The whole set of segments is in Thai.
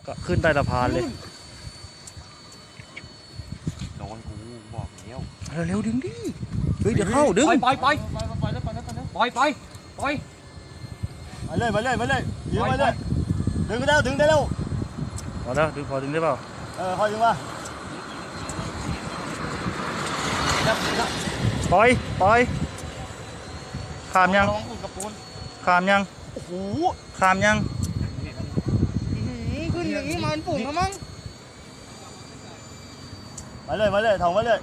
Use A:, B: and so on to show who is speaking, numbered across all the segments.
A: ก็ขึ้นใต้สะพานเลย
B: โดนกูบอกแล้ว
A: เร็วดึงดิเฮ้ยเดี๋ยวเข้าดึง
B: ปล่อยเลยมาเลยดึงมาเลยดึงได้แล้วดึงได้แล้ว
A: พอแล้วดึงพอดึงได้เปล่า
B: พอดึงมา
A: ปล่อยขามยังขามยัง
B: โอ้โห
A: ขามยัง
C: ขึ้นอย่างนี้มันฝุ่นแล้วมั้ง
B: มาเลยถองมาเลย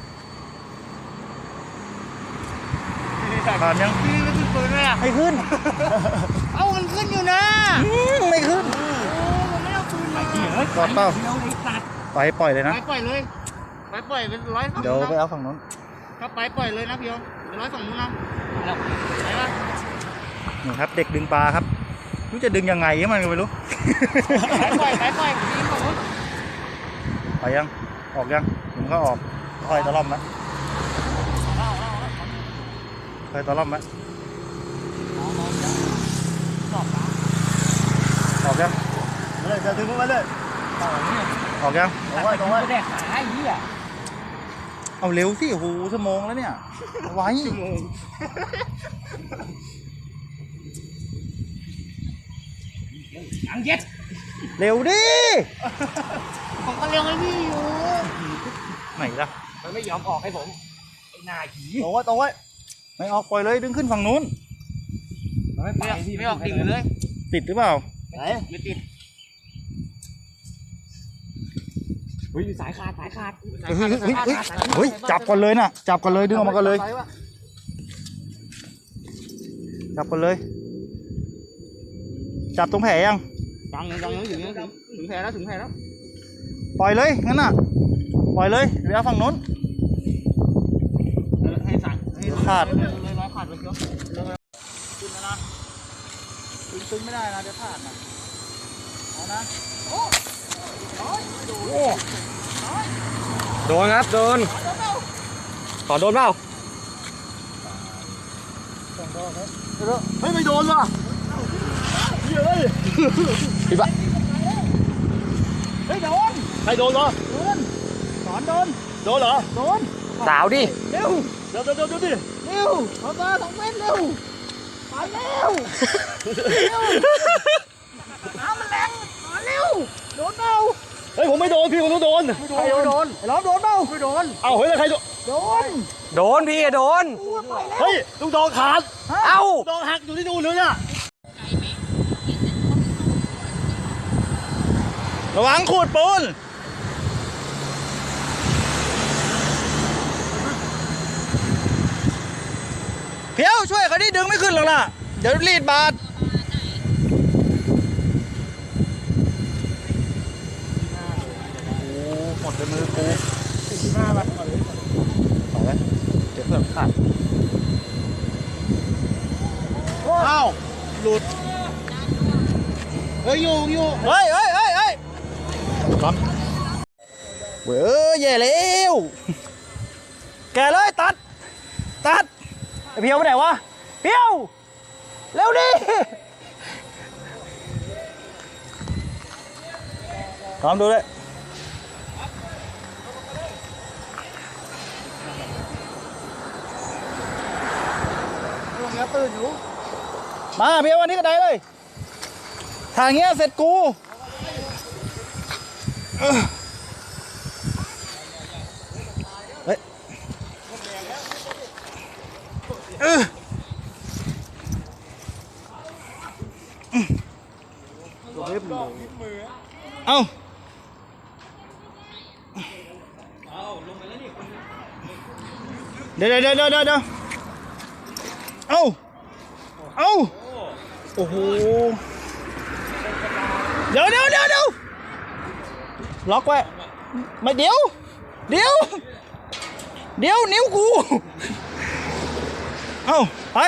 A: ขามยัง
C: มันขึ้นปืนเลยอ่ะ
A: ไม่ขึ้น
C: เอามันขึ้นอยู่นะ
A: ไม่ขึ้น
C: มันไม่เอาปืนมา
A: ก่อนเปล่าไปปล่อยเลยนะ
C: ไปปล่อยเลยไปปล่อยเป็นร้อย
A: เดี๋ยวไปเอาฝั่งนู้น
C: ถ้าไปปล่อยเลยนะพี่ยงเป็นร้อยฝั่งนู้นนะไปปะ
A: นี่ครับเด็กดึงปลาครับรู้จะดึงยังไงมันก็ไม่รู้
C: ไปปล่อยยิงฝั่งนู้น
A: ไปยังออกยังผมก็ออกค่อยตะล่อมนะค่อยตะล่อมนะออกยัง
B: มาเลยจะดึงมาเลย
A: ออกยัง
B: ตรงไว้
C: แดกขาไอ้เหี้ย
A: เอาเร็วสิโอ้โหชั่วโมงแล้วเนี่ยไว้
C: อังเย็ด
A: เร็วดิ
C: ผมก็เร็วให้พี่อยู่
A: ไหนล่ะ
C: มันไม่ยอมออกให้ผมไอ้นายผี
B: ตรงไว้
A: ไม่ออกปล่อยเลยดึงขึ้นฝั่งนู้น
C: ไม่ออกดิ่งเลย
A: ติดหรือเปล่า
B: ไหน
C: ไม่ติดเฮ้ยสายขาด
A: เฮ้ยจับก่อนเลยนะจับก่อนเลยดึงออกมาก่อนเลยจับก่อนเลยจับตรงแผลยัง
C: ถึงแผลแล้ว
A: ปล่อยเลยงั้นน่ะปล่อยเลยเดี๋ยวฝั่งนู้น
C: ให้สั่ง
A: ขาด
C: เลยร้อยขาดไปเชียวขึ้นแล้วนะตึงไม่ได้นะจะขาดนะเอานะโอ้
B: โดนครับโดนขอโดนเปล่าเฮ้ยไม่โดนว่ะเฮ้ยพี่ปะ
C: เฮ้ยโดน
B: ใครโดนเหรอ
C: สอนโดน
B: เหรอ
C: โดน
B: สาวดิ
C: เร็ว
B: ดิ
C: เร็วเขามา2 เมตรเร็วไปเร็วน้ำมันแรงมาเร็วโดนเปล่า
B: เฮ้ยผมไม่โดนพี่ผมต้องโดน
C: ใครโดนไอ้ล้อมโดนเปล่าไม่โดน
B: เอาเฮ้ยแล้วใคร
C: โด
B: นพี่โดนเฮ้ยลูกดองขาด
C: เอ้า
B: ดองหักอยู่ที่นู่นเลยน่ะ
A: ระวังขูดปูนเพียวช่วยเขาดิดึงไม่ขึ้นหรอกล่ะเดี๋ยวรีดบาดหมดในมือกู
C: 45 บาท
A: เอาไว้เดี๋ยวเพื่อนขาด
B: อ้าวหลุด
C: เฮ้ยอยู่
A: เฮ้ยก่อนเว้ยแย่แล้วแกเลยตัดไอเพียวไปไหนวะเพียวเร็วดิพร้อมดูเลย
C: ลงแล้วตื่นอยู่
A: มาเพียววันนี้ก็ได้เลยทางเงี้ยเสร็จกูเฮ้ยเอาเดี๋ยวเอาโอ้โหเดี๋ยวล็อกไว้ไม่เดี๋ยวนิ้วกูเอาไป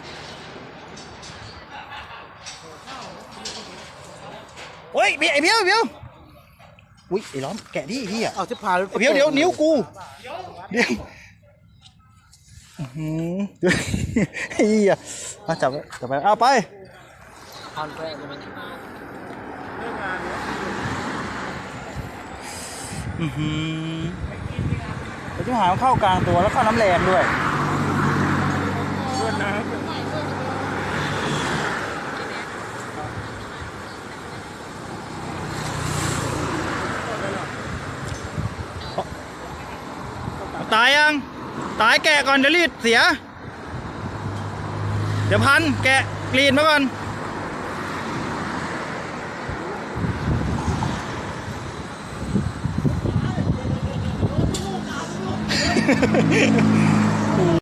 A: โอ้ยไอ้เบี้ยวอุ้ยไอ้ล้อมแกะดิพี่อ่ะ
C: เอาจะพา
A: ไอ้เบี้ยวเดี๋ยวนิ้วกูเดี๋ยวไอ้อ่ะมาจับไปเอาไป
C: เอาไป
A: อือหือเดี๋ยวจะหาเข้ากลางตัวแล้วเข้าน้ำแรงด้วย
B: เพื่อนนะ
A: ตายยัง ตายแกะก่อนเดี๋ยวรีดเสีย เดี๋ยวพันแกะกรีดมาก่อน